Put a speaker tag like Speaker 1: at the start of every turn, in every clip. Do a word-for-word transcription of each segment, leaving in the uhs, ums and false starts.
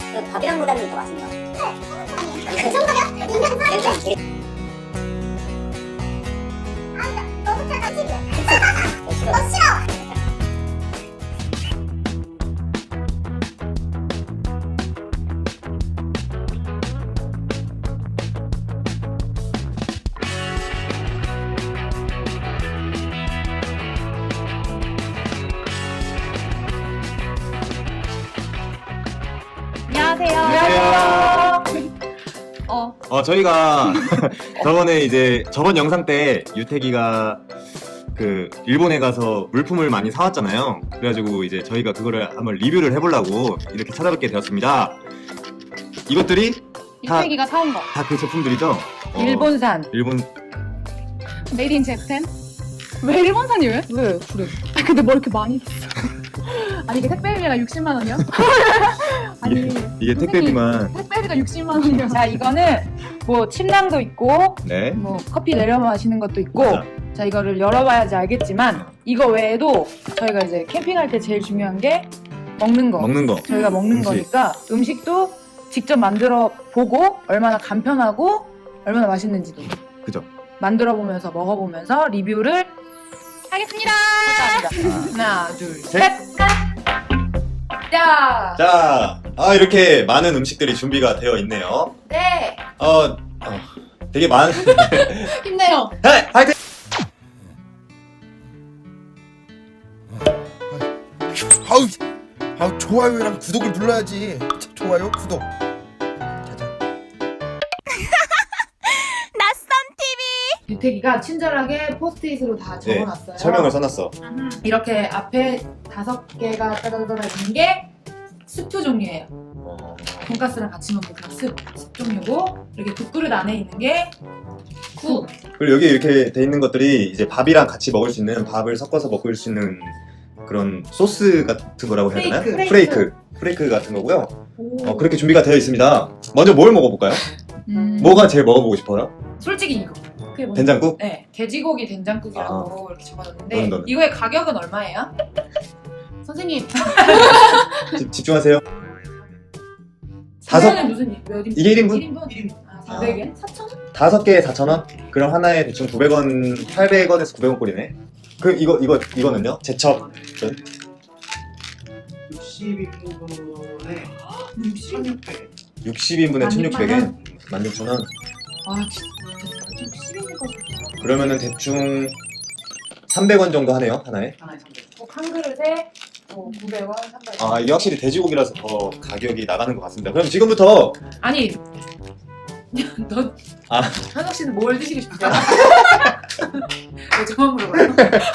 Speaker 1: 그 밥이랑보다는 더 맛있네요. 네. 그 정도면 인간 사람이. 아, 너무 착하지? 너 싫어.
Speaker 2: 안녕하세요.
Speaker 3: 안녕하세요.
Speaker 2: 어,
Speaker 3: 어 저희가 저번에 이제 저번 영상 때 유태기가 그 일본에 가서 물품을 많이 사왔잖아요. 그래가지고 이제 저희가 그거를 한번 리뷰를 해보려고 이렇게 찾아뵙게 되었습니다. 이것들이 다
Speaker 2: 유태기가 사온 거.
Speaker 3: 다 그 제품들이죠? 어,
Speaker 2: 일본산.
Speaker 3: 일본
Speaker 2: 메이드 인 재팬? 왜 일본산이 왜? 왜? 그래. 아, 근데 뭐 이렇게 많이 샀어? 아니, 이게 택배비가 육십만 원이요? 아니,
Speaker 3: 이게, 이게 택배비만
Speaker 2: 택배비가 육십만 원이요.
Speaker 4: 자, 이거는 뭐 침낭도 있고
Speaker 3: 네.
Speaker 4: 뭐 커피 내려 마시는 것도 있고
Speaker 3: 맞아.
Speaker 4: 자, 이거를 열어봐야지 알겠지만 이거 외에도 저희가 이제 캠핑할 때 제일 중요한 게 먹는 거
Speaker 3: 먹는 거.
Speaker 4: 저희가 먹는
Speaker 3: 음식.
Speaker 4: 거니까 음식도 직접 만들어 보고 얼마나 간편하고 얼마나 맛있는지도
Speaker 3: 그죠?
Speaker 4: 만들어 보면서 먹어보면서 리뷰를
Speaker 2: 하겠습니다.
Speaker 4: 합니다. 하나, 둘,
Speaker 3: 셋.
Speaker 4: 셋. 자,
Speaker 3: 자, 아 이렇게 많은 음식들이 준비가 되어 있네요.
Speaker 4: 네.
Speaker 3: 어, 어 되게 많은.
Speaker 2: 힘내요.
Speaker 3: 네, 화이팅!
Speaker 5: 아우, 아우 좋아요랑 구독을 눌러야지. 좋아요, 구독. 짜잔.
Speaker 4: 유태기가 친절하게 포스트잇으로 다
Speaker 3: 네,
Speaker 4: 적어놨어요.
Speaker 3: 설명을 써놨어.
Speaker 4: 이렇게 앞에 다섯 개가 따다다다 있는 게 스프 종류예요.
Speaker 3: 어,
Speaker 4: 돈가스랑 같이 먹는 그런 스, 스 종류고 이렇게 국그릇 안에 있는 게 국.
Speaker 3: 그리고 여기 이렇게 돼 있는 것들이 이제 밥이랑 같이 먹을 수 있는 밥을 섞어서 먹을 수 있는 그런 소스 같은 거라고 해야 되나?
Speaker 4: 프레이크.
Speaker 3: 프레이크. 프레이크 같은 거고요.
Speaker 4: 오.
Speaker 3: 어, 그렇게 준비가 되어 있습니다. 먼저 뭘 먹어볼까요?
Speaker 4: 음,
Speaker 3: 뭐가 제일 먹어보고 싶어요?
Speaker 4: 솔직히 이거. 그게 뭐냐?
Speaker 3: 된장국?
Speaker 4: 네, 돼지고기 된장국이라고 이렇게 적어놨는데
Speaker 3: 너는, 너는.
Speaker 4: 이거의 가격은 얼마예요?
Speaker 2: 선생님,
Speaker 3: 집, 집중하세요. 다섯,
Speaker 4: 이거는 무슨 몇 인분?
Speaker 3: 이게 일 인분?
Speaker 4: 일 인분? 아, 사백 엔? 사천 원?
Speaker 3: 다섯 개에 사천 원? 그럼 하나에 대충 구백 원, 팔백 원에서 구백 원 꼴이네. 그, 이거, 이거, 이거는요? 제첩.
Speaker 6: 육십 인분에 천육백.
Speaker 3: 육십 인분에 천육백 엔. 만 육천 원.
Speaker 4: 아, 진짜 십 인분까지.
Speaker 3: 그러면은 대충 삼백 원 정도 하네요, 하나에.
Speaker 6: 하나에 삼백.
Speaker 4: 한 그릇에 어, 구백 원, 삼백 원.
Speaker 3: 아, 이게 확실히 돼지고기라서 더 가격이 나가는 것 같습니다. 그럼 지금부터
Speaker 4: 아니, 너
Speaker 3: 아.
Speaker 4: 현석 씨는 뭘 드시고 싶어요? 왜 저만 물어봐요?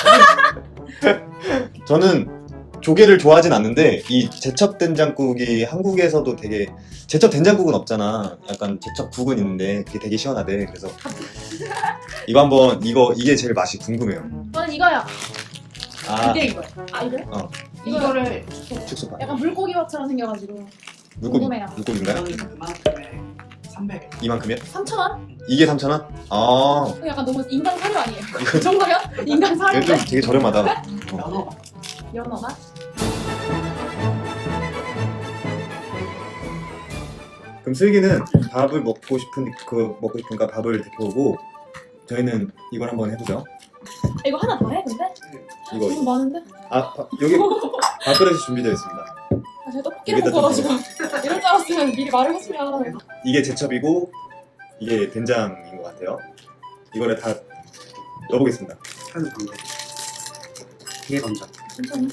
Speaker 3: 저는 조개를 좋아하진 않는데 이 제첩 된장국이 한국에서도 되게 제첩 된장국은 없잖아. 약간 제첩 국은 있는데 그게 되게 시원하대. 그래서 이거 한번 이거 이게 제일 맛이 궁금해요.
Speaker 2: 저는 이거요.
Speaker 3: 아,
Speaker 4: 이게 이거예요.
Speaker 2: 아, 이거요?
Speaker 3: 어.
Speaker 4: 이거를
Speaker 3: 축소파.
Speaker 2: 약간 물고기밥처럼 생겨가지고.
Speaker 3: 물고기
Speaker 2: 궁금해요.
Speaker 3: 물고기인가요?
Speaker 6: 이거는 그만큼에 삼백.
Speaker 3: 이만큼이요?
Speaker 2: 삼천 원?
Speaker 3: 이게 삼천 원? 아,
Speaker 2: 약간 너무 인간 사료 아니에요? 그 정도면 인간
Speaker 3: 이거 좀
Speaker 2: 사료인데?
Speaker 3: 되게 저렴하다.
Speaker 6: 연어.
Speaker 2: 연어가?
Speaker 3: 그럼 슬기는 밥을 먹고 싶은 그 먹고 싶은가 밥을 데펴오고 저희는 이걸 한번 해보죠.
Speaker 2: 이거 하나 더 해, 근데?
Speaker 3: 이거
Speaker 2: 너무 많은데?
Speaker 3: 아 밥- 여기 밥그릇이 준비되어 있습니다.
Speaker 2: 아, 제가 떡볶이를
Speaker 3: 여기다
Speaker 2: 먹어가지고. 이럴 줄 알았으면 미리 말을 했으면.
Speaker 3: 이게 제첩이고 이게 된장인 것 같아요. 이거를 다 넣어보겠습니다.
Speaker 6: 한 방백. 이게 먼저.
Speaker 2: 천천히.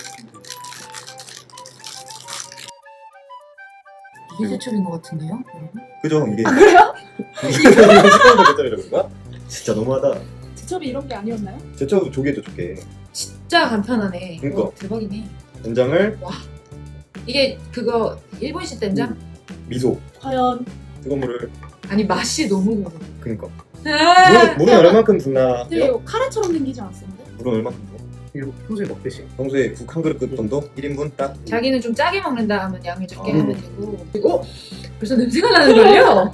Speaker 4: 이게 제첩인 것 같은데요?
Speaker 3: 그죠? 이게 아 그래요? 이게 식감도 제첩이라고 그런가? 진짜 너무하다.
Speaker 2: 지첩이 이런 게 아니었나요?
Speaker 3: 제첩 조개죠 조개.
Speaker 4: 진짜 간편하네.
Speaker 3: 그러니까.
Speaker 4: 와, 대박이네.
Speaker 3: 된장을
Speaker 4: 이게 그거 일본식 된장?
Speaker 3: 미소
Speaker 2: 과연.
Speaker 3: 뜨거운 물을
Speaker 4: 아니 맛이 너무 궁금해.
Speaker 3: 그니까
Speaker 4: 아,
Speaker 3: 물은, 물은 얼마만큼 붓나요?
Speaker 2: 되게 이거 카레처럼 생기지 않았었는데?
Speaker 3: 물은 얼마큼 부어?
Speaker 6: 이거 평소에 먹듯이.
Speaker 3: 평소에 국 한 그릇 급 정도? 일 인분 딱?
Speaker 4: 자기는 좀 짜게 먹는다 하면 양을 적게
Speaker 3: 어.
Speaker 4: 하면 되고. 그리고 벌써 냄새가 나는걸요?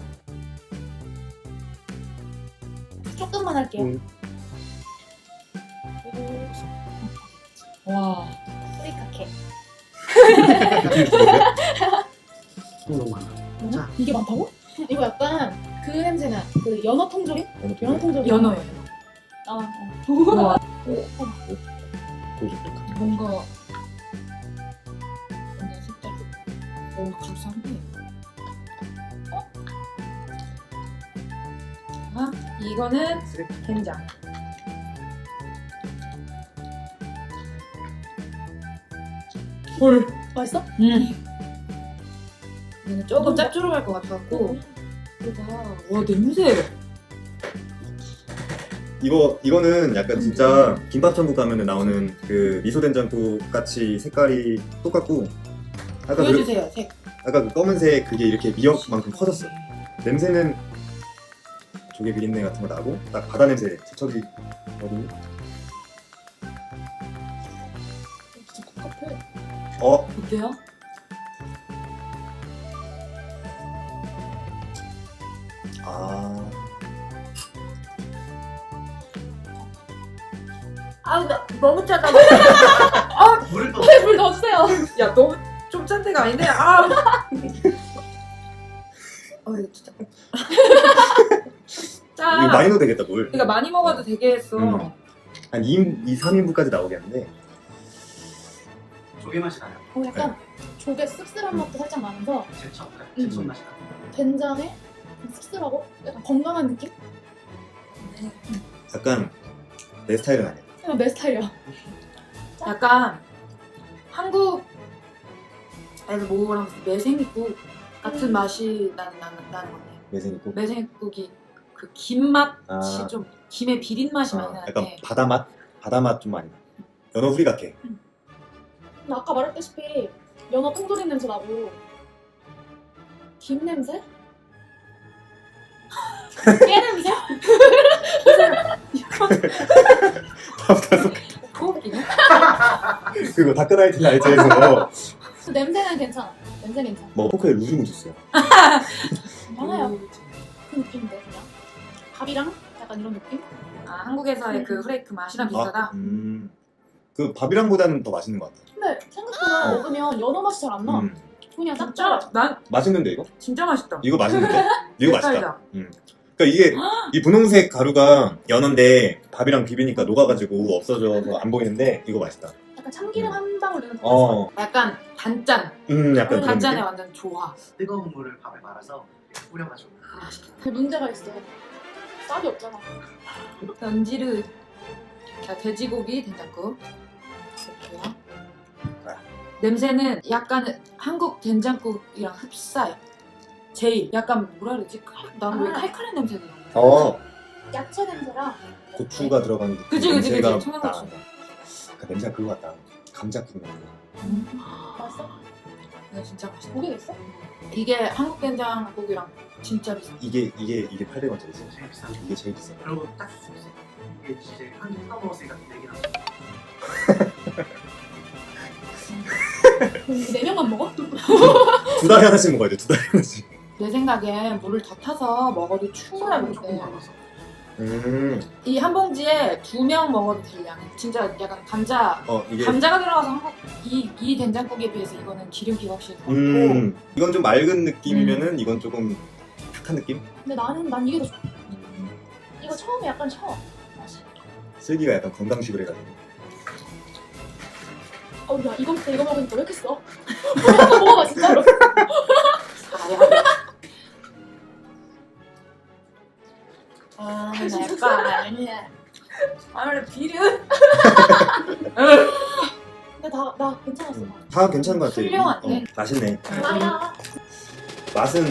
Speaker 2: 조금만 할게요.
Speaker 3: 음.
Speaker 4: 와.
Speaker 2: 뿌리카케.
Speaker 6: 어, 너무 많아.
Speaker 2: 뭐냐?
Speaker 6: 자.
Speaker 2: 이게 많다고? 이거 약간 그 냄새나 그 연어 통조림?
Speaker 3: 어느
Speaker 2: 연어
Speaker 3: 쪽에?
Speaker 2: 통조림.
Speaker 4: 연어예요.
Speaker 2: 아, 어.
Speaker 4: 우와.
Speaker 3: 보여줄게.
Speaker 4: 뭔가 뭔가 색깔. 오, 감사한데. 어? 아, 이거는 된장. 헐.
Speaker 2: 맛있어?
Speaker 4: 음. 이거는 조금 짭조름할 것 같았고. 와, 냄새.
Speaker 3: 이거 이거는 약간 진짜 김밥천국 가면 나오는 그 미소된장국 같이 색깔이 똑같고 아까 그,
Speaker 4: 보여주세요, 색.
Speaker 3: 아까 그 검은색 그게 이렇게 미역만큼 커졌어. 냄새는 조개 비린내 같은 거 나고 딱 바다 냄새 제척이 거든요.
Speaker 2: 진짜 똑같아.
Speaker 3: 어
Speaker 4: 어때요?
Speaker 3: 아.
Speaker 4: 아, 나 너무 짜다.
Speaker 6: 물을 더
Speaker 2: 물 넣어주세요.
Speaker 4: 야, 너무 좀 짠 데가 아닌데. 아. 어, 이거 진짜. 짜.
Speaker 3: 이거 많이 넣어도 되겠다 물.
Speaker 4: 그러니까 많이 먹어도 되게 했어.
Speaker 3: 음. 한 이 인, 이, 삼 인분까지 나오겠는데
Speaker 6: 조개 맛이 나요.
Speaker 2: 어, 약간 조개 씁쓸한 맛도 살짝 나면서
Speaker 6: 제첩,
Speaker 2: 음.
Speaker 6: 제첩 맛이 나요.
Speaker 2: 된장에 씁쓸하고 약간 건강한 느낌?
Speaker 3: 약간 내 스타일은 아니야.
Speaker 2: 그냥 내 스타일이야.
Speaker 4: 약간 한국에서 먹으면 매생이국 같은 맛이 나는 나는 나는 것 같아.
Speaker 3: 매생이국.
Speaker 4: 매생이국이 그 김 맛이
Speaker 3: 아.
Speaker 4: 좀 김의 비린 맛이 많이
Speaker 3: 아,
Speaker 4: 나는데.
Speaker 3: 약간 바다 맛, 바다 맛 좀 많이 나. 연어 후리 같게.
Speaker 2: 근데 아까 말했다시피 연어 통조림 냄새 나고 김 냄새? 깨 냄새?
Speaker 4: 그거 웃기네.
Speaker 3: 그거 다크나이트 라이트에서
Speaker 2: 그 냄새는 괜찮아. 냄새 괜찮아.
Speaker 3: 뭐 포크에 루즈 묻었어요.
Speaker 2: 많아요.
Speaker 4: 음.
Speaker 2: 그 느낌인데 그냥 밥이랑 약간 이런 느낌?
Speaker 4: 아, 한국에서의 그 후레이크 맛이랑 비슷하다.
Speaker 3: 아, 음. 그 밥이랑보다는 더 맛있는 것 같아.
Speaker 2: 근데 생각보다
Speaker 3: 어.
Speaker 2: 먹으면 연어 맛이 잘 안 나.
Speaker 3: 음.
Speaker 2: 그냥
Speaker 4: 진짜
Speaker 2: 짭짤해.
Speaker 4: 난
Speaker 3: 맛있는데 이거?
Speaker 4: 진짜 맛있다.
Speaker 3: 이거 맛있는데? 이거 맛있다.
Speaker 4: 색깔이다.
Speaker 3: 음. 그러니까 이게 이 분홍색 가루가 연어인데 밥이랑 비비니까 녹아가지고 없어져서 안 보이는데 이거 맛있다.
Speaker 2: 약간 참기름 한 방울 넣는 거
Speaker 3: 어,
Speaker 4: 약간 단짠.
Speaker 3: 음, 약간 그런
Speaker 4: 단짠에
Speaker 3: 느낌?
Speaker 4: 완전 좋아.
Speaker 6: 뜨거운 물을 밥에 말아서 뿌려가지고.
Speaker 4: 맛있겠다.
Speaker 2: 그 문제가 있어. 쌀이 없잖아.
Speaker 4: 연지르. 자, 돼지고기 된장국. 이렇게요. 냄새는 약간 한국 된장국이랑 흡사해. 제일 약간 뭐라 그러지? 나는 왜
Speaker 2: 아.
Speaker 4: 칼칼한 냄새가 나?
Speaker 3: 어,
Speaker 2: 야채 냄새랑
Speaker 3: 고추가 들어간 그
Speaker 4: 그치 그치
Speaker 3: 냄새가
Speaker 4: 그치 청양고추.
Speaker 3: 나. 그 냄새가 그거 같다. 감자국 냄새.
Speaker 2: 맛있어?
Speaker 4: 이거 진짜 맛있다.
Speaker 2: 고기 있어?
Speaker 4: 이게 한국 된장국이랑 진짜 비슷해.
Speaker 3: 이게 이게 이게 팔백 원짜리지.
Speaker 6: 제일 비싼 거.
Speaker 3: 이게 제일 비싸.
Speaker 6: 그리고 딱 이게 진짜 한입 뜯어 먹었으니까 내기 나.
Speaker 2: 그럼 이거 네 명만 먹어?
Speaker 3: 두 달에 하나씩 먹어야 돼. 두 달에 하나씩.
Speaker 4: 내 생각엔 물을 더 타서 먹어도 충분할 것
Speaker 6: 조금
Speaker 4: 같아.
Speaker 6: 남았어.
Speaker 3: 음,
Speaker 4: 이 한 봉지에 두 명 먹어도 될 양. 진짜 약간 감자
Speaker 3: 어 이게
Speaker 4: 감자가 들어가서 한국 이, 이 된장국에 비해서 이거는 기름기가 확실히 더 많고
Speaker 3: 음, 이건 좀 맑은 느낌이면은 이건 조금 탁한 느낌?
Speaker 2: 근데 나는 난 이게 더 좋아. 이거 처음에 약간 셔. 맛이.
Speaker 3: 슬기가 약간 건강식을 해가지고.
Speaker 2: 어, 야 이거 먹다 이거 먹으니까 왜 이렇게 써? 한번 먹어봐 진짜로.
Speaker 4: 아,
Speaker 2: 할 수
Speaker 4: 나
Speaker 2: 있어.
Speaker 4: 약간
Speaker 2: 아니야.
Speaker 4: 아, 원래 비려.
Speaker 2: 근데 다 나 괜찮았어.
Speaker 3: 음, 다 괜찮은 것 같아.
Speaker 4: 훌륭하네.
Speaker 3: 어, 맛있네.
Speaker 2: 나야.
Speaker 3: 맛은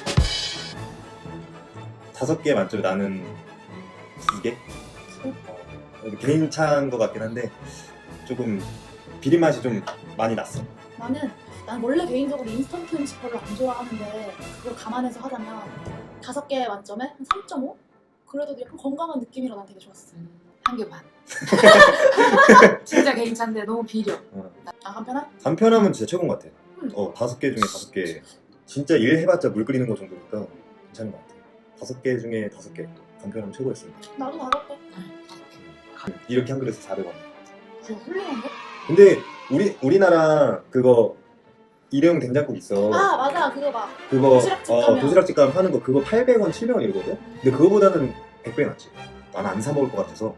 Speaker 3: 다섯 개 만점에 나는 두 개? 어, 괜찮은 것 같긴 한데 조금 비린 맛이 좀 많이 났어.
Speaker 2: 나는 난 원래 개인적으로 인스턴트 음식 별로 안 좋아하는데 그걸 감안해서 하자면 다섯 개 만점에 한 삼 점 오? 그래도 약간 건강한 느낌이라 난 되게 좋았어.
Speaker 4: 한 개 반. 진짜 괜찮은데 너무 비려.
Speaker 2: 아 간편한?
Speaker 3: 간편하면 진짜 최고인 것 같아.
Speaker 2: 음.
Speaker 3: 어 다섯 개 중에 다섯 개. 진짜 일 해봤자 물 끓이는 거 정도니까 괜찮은 것 같아. 다섯 개 중에 다섯 개. 간편하면 최고였습니다.
Speaker 2: 나도 다섯 개.
Speaker 3: 이렇게 한 그릇에 사백 원.
Speaker 2: 그거 훌륭한데?
Speaker 3: 근데 우리 우리나라 그거 일회용 된장국 있어.
Speaker 1: 아 맞아 그거 봐.
Speaker 3: 그거
Speaker 1: 도시락집
Speaker 3: 어,
Speaker 1: 가면.
Speaker 3: 도시락집 가면 파는 거 그거 팔백 원, 칠백 원 이러거든? 근데 그거보다는 백 배 낫지. 난 안 사 먹을 것 같아서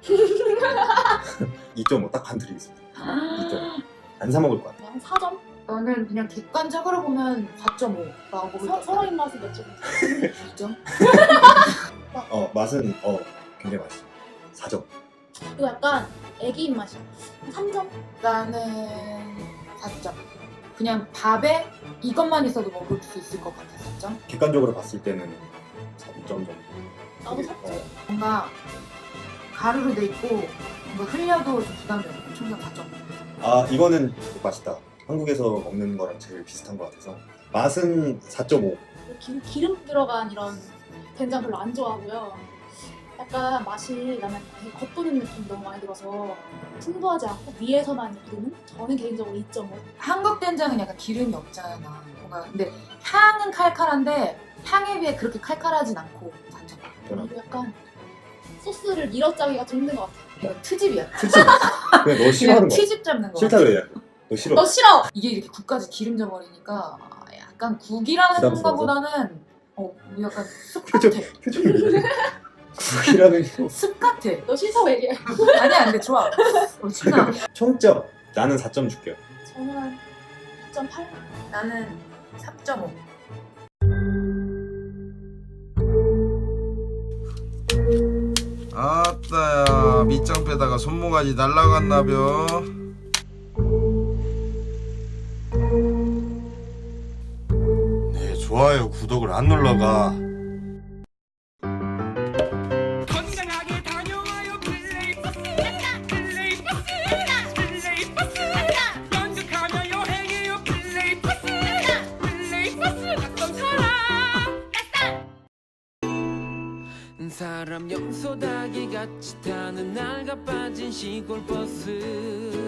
Speaker 3: 이 점 오 딱 반 드리겠습니다. 이 점 오. 안 사 먹을 것 같아.
Speaker 1: 한 사 점?
Speaker 4: 저는 그냥 객관적으로 보면 사 점 오라고 볼
Speaker 1: 서,
Speaker 4: 것
Speaker 1: 서로
Speaker 4: 같아요.
Speaker 1: 입맛이 몇 점?
Speaker 4: 이 점?
Speaker 3: 어 맛은 어 굉장히 맛있어. 사 점.
Speaker 1: 이거 약간 애기 입맛이야. 삼 점?
Speaker 4: 나는 사 점. 그냥 밥에 이것만 있어도 먹을 수 있을 것 같아, 사 점.
Speaker 3: 객관적으로 봤을 때는 사 점 정도.
Speaker 1: 나도 사 점.
Speaker 3: 어,
Speaker 4: 뭔가 가루로 돼 있고 뭔가 흘려도 좀 부담돼요. 총각 사 점.
Speaker 3: 아 이거는 맛있다. 한국에서 먹는 거랑 제일 비슷한 것 같아서 맛은 사 점 오.
Speaker 1: 기, 기름 들어간 이런 된장 별로 안 좋아하고요. 약간 맛이 나는 되게 겉도는 느낌이 너무 많이 들어서 풍부하지 않고 위에서만 부르는? 저는 개인적으로 이 점 오.
Speaker 4: 한국 된장은 약간 기름이 없잖아. 뭔가 근데 향은 칼칼한데 향에 비해 그렇게 칼칼하진 않고 사 점.
Speaker 1: 그리고 약간 소스를 밀어짜기가 좀 힘든 것 같아.
Speaker 4: 이거 트집이야.
Speaker 3: 특집. 그냥 너 싫어하는
Speaker 4: 그냥
Speaker 3: 거야.
Speaker 4: 트집 잡는 거.
Speaker 3: 싫다 그래. 너 싫어.
Speaker 1: 너 싫어!
Speaker 4: 이게 이렇게 국까지 기름져 버리니까 약간 국이라는
Speaker 3: 부담스러워서?
Speaker 4: 것보다는 어 약간 습
Speaker 3: 표정
Speaker 4: 같아.
Speaker 3: 표정이 왜 이래? 국이라는 거.
Speaker 4: 습 같아.
Speaker 1: 너 싫다고 얘기해.
Speaker 4: 아니야 근데 좋아. 어, 진짜.
Speaker 3: 총점 나는 사 점 줄게요.
Speaker 1: 저는 이 점 팔.
Speaker 4: 나는 삼 점 오.
Speaker 5: 아따야 밑장 빼다가 손모가지 날라갔나벼. 네 좋아요 구독을 안 눌러가.
Speaker 7: 건강하게 다녀와요 플레이버스 플레이버스 플레이버스 연극하며 여행해요 플레이버스 플레이버스 낯선 사람 사람 염소 닭이 같이 타는 낡아 빠진 시골 버스